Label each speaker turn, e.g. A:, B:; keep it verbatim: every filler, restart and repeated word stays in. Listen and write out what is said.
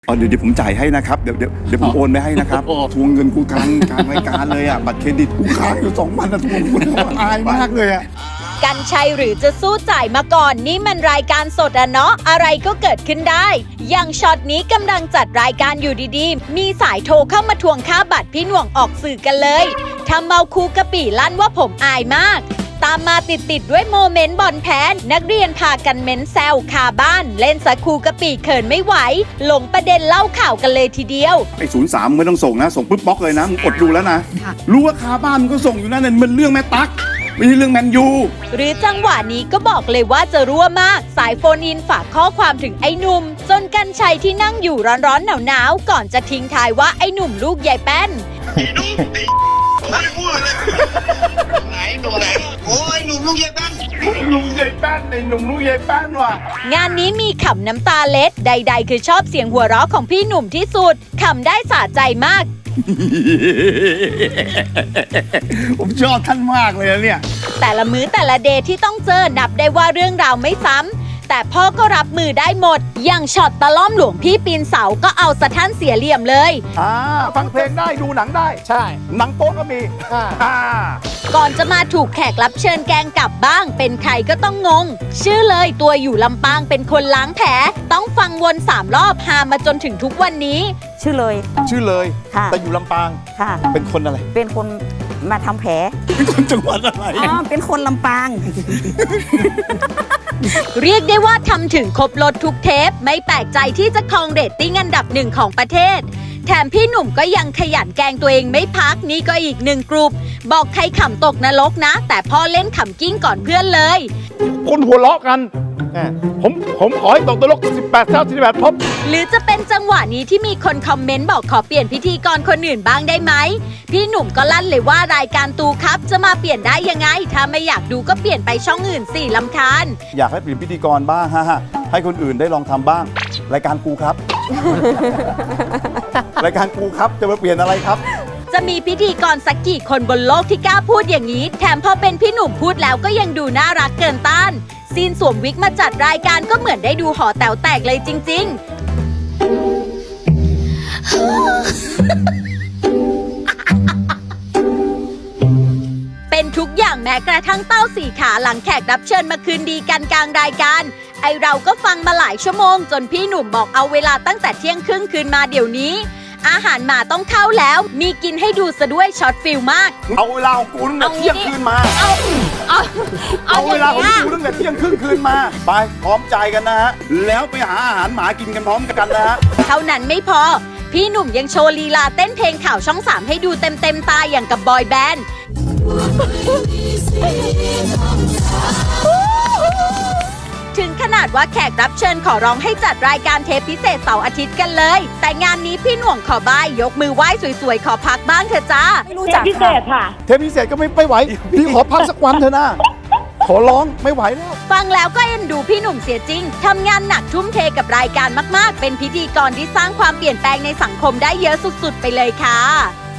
A: อ๋อเดี๋ยวเดี๋ยวผมจ่ายให้นะครับเดี๋ยวเดี๋ยวเดี๋ยวผมโอนไปให้นะครับทวงเงินกูกลางกลางรายการเลยอ่ะบัตรเครดิตกูค้างอยู่สองพันนะทวงคุณอายมากเลยอ่ะ
B: กันชัยหรือจะสู้จ่ายมาก่อนนี่มันรายการสดอะเนาะอะไรก็เกิดขึ้นได้อย่างช็อตนี้กำลังจัดรายการอยู่ดีๆมีสายโทรเข้ามาทวงค่าบัตรพี่หน่วงออกสื่อกันเลยทำเมาคูกะปิลั่นว่าผมอายมากตามมาติดๆด้วยโมเมนต์บอลแพนนักเรียนพากันเม้นแซวคาบ้านเล่นสะคูกะปิเขินไม่ไหวหลงประเด็นเล่าข่าวกันเลยทีเดียว
A: ไอ้ศูนย์สามไม่ต้องส่งนะส่งปุ๊บบล็อกเลยนะมึงอดดูแล้วนะรู้ว่าคาบ้านมึงก็ส่งอยู่นั่นน่ะมันเรื่องแม่ตั๊กไม่ใช่เรื่องแมนยู
B: หรือจังหวะนี้ก็บอกเลยว่าจะรั่วมากสายโฟนอินฝากข้อความถึงไอ้หนุ่มจนกันชัยที่นั่งอยู่ร้อนๆหนาวๆก่อนจะทิ้งท้ายว่าไอ้หนุ่มลูกยายแป้น
C: ไอ้หนุ่มไอ้ไม่พูดเลยไหนหนุ่มไหนโอ้ยหนุ่มลูกยายแป้น
A: ลุงยายแป้นไอ้หนุ่มลุงยายแป้นว่ะ
B: งานนี้มีขำน้ำตาเล็ดใดๆคือชอบเสียงหัวเราะของพี่หนุ่มที่สุดขำได้สะใจมาก
A: ผมชอบท่านมากเลยนะเนี่ย
B: แต่ละมื้อแต่ละเดย์ที่ต้องเจอนับได้ว่าเรื่องราวไม่ซ้ำแต่พ่อก็รับมือได้หมดอย่างช็อตตะล่อมหลวงพี่ปีนเสาก็เอาสะท่านเสียเหลี่ยมเลย
A: อ่าฟังเพลงได้ดูหนังได้
D: ใช่
A: หนังโป๊ก็มีอ่า
B: ก่อนจะมาถูกแขกรับเชิญแกงกลับบ้างเป็นใครก็ต้องงงชื่อเลยตัวอยู่ลำปางเป็นคนล้างแผลต้องฟังวนสามรอบหามาจนถึงทุกวันนี้
E: ชื่อเลย
A: ชื่อเลย
E: ค่ะ
A: แต่อยู่ลำปาง
E: ค่ะ
A: เป็นคนอะไร
E: เป็นคนมาทำแผล
A: เป็นคนจังหวัดอะไร
E: อ๋อเป็นคนลำปาง
B: เรียกได้ว่าทำถึงครบรถทุกเทปไม่แปลกใจที่จะครองเรตติ้งอันดับหนึ่งของประเทศแถมพี่หนุ่มก็ยังขยันแกล้งตัวเองไม่พักนี่ก็อีกหนึ่งกลุ่มบอกใครขำตกนรกนะแต่พ่อเล่นขำกิ้งก่อนเพื่อนเลย
D: คนหัวเราะกันผมผมขอให้ตกนรกสิบแปดเท่าสิบแปดพบ
B: หรือจะเป็นจังหวะนี้ที่มีคนคอมเมนต์บอกขอเปลี่ยนพิธีกรคนอื่นบ้างได้ไหมพี่หนุ่มก็ลั่นเลยว่ารายการตูครับจะมาเปลี่ยนได้ยังไงถ้าไม่อยากดูก็เปลี่ยนไปช่องอื่นสิลำคาญ
A: อยากให้เปลี่ยนพิธีกรบ้างฮะให้คนอื่นได้ลองทำบ้างรายการกูครับ รายการกูครับจะมาเปลี่ยนอะไรครับ
B: จะมีพิธีกรสักกี่คนบนโลกที่กล้าพูดอย่างนี้แถมพอเป็นพี่หนุ่มพูดแล้วก็ยังดูน่ารักเกินต้านซีนสวมวิกมาจัดรายการก็เหมือนได้ดูหอแต๋วแตกเลยจริงๆเป็นทุกอย่างแม้กระทั่งเต้าสี่ขาหลังแขกรับเชิญมาคืนดีกันกลางรายการไอเราก็ฟังมาหลายชั่วโมงจนพี่หนุ่มบอกเอาเวลาตั้งแต่เที่ยงครึ่งคืนมาเดี๋ยวนี้อาหารหมาต้องเข้าแล้วมีกินให้ดูซะด้วยช็อตฟิลมาก
A: เอาเวลาของกูตั้งแต่เที่ยงคืนมา
B: เอาเอา
A: เอาเวลาของกูตั้งแต่เที่ยงครึ่งคืนมาไปพร้อมใจกันนะฮะแล้วไปหาอาหารหมากินกันพร้อมกันนะฮะ
B: เท่านั้นไม่พอพี่หนุ่มยังโชว์ลีลาเต้นเพลงข่าวช่องสามให้ดูเต็มเต็มตาอย่างกับบอยแบนด์ถึงขนาดว่าแขกรับเชิญขอร้องให้จัดรายการเทปพิเศษเสาร์อาทิตย์กันเลยแต่งานนี้พี่หน่วงขอบ้ายยกมือไหว้สวยๆขอพักบ้างเถอะจ้า
E: ไม่รู้จัก
D: พิเศษค่ะเทปพิเศษก็ไม่ไม่ไหวพี่ขอพักสักวันเถอะนะขอร้องไม่ไหวแล้ว
B: ฟังแล้วก็เอ็นดูพี่หนุ่มเสียจริงทำงานหนักทุ่มเทกับรายการมากๆเป็นพิธีกรที่สร้างความเปลี่ยนแปลงในสังคมได้เยอะสุดๆไปเลยค่ะ